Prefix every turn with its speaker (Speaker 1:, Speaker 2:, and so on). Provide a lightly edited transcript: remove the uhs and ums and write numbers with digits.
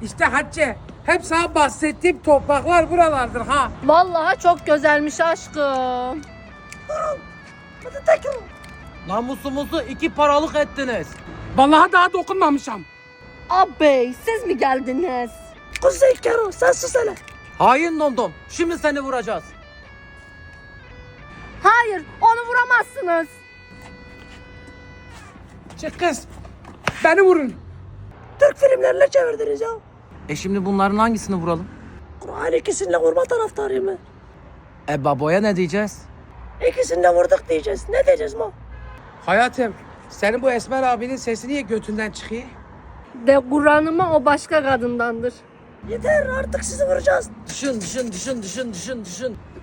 Speaker 1: İşte Hatice, hep sana bahsettiğim topraklar buralardır ha.
Speaker 2: Vallahi çok güzelmiş aşkım.
Speaker 3: Namusumuzu 2 paralık ettiniz.
Speaker 1: Vallahi daha dokunmamışam.
Speaker 2: Abi siz mi geldiniz?
Speaker 4: Kuzey Kero sen sus hele.
Speaker 3: Hain domdom. Şimdi seni vuracağız.
Speaker 2: Hayır, onu vuramazsınız.
Speaker 1: Çık kız. Beni vurun.
Speaker 4: Türk filmlerine çevirdiniz ya.
Speaker 3: Şimdi bunların hangisini vuralım?
Speaker 4: Kur'an ikisini de vurma taraftarıyım ben.
Speaker 3: Baboya ne diyeceğiz?
Speaker 4: İkisini de vurduk diyeceğiz. Ne diyeceğiz ma?
Speaker 1: Hayatım, senin bu Esmer abinin sesi niye götünden çıkıyor?
Speaker 2: De Kur'an'ıma o başka kadındandır.
Speaker 4: Yeter artık sizi vuracağız.
Speaker 3: Düşün.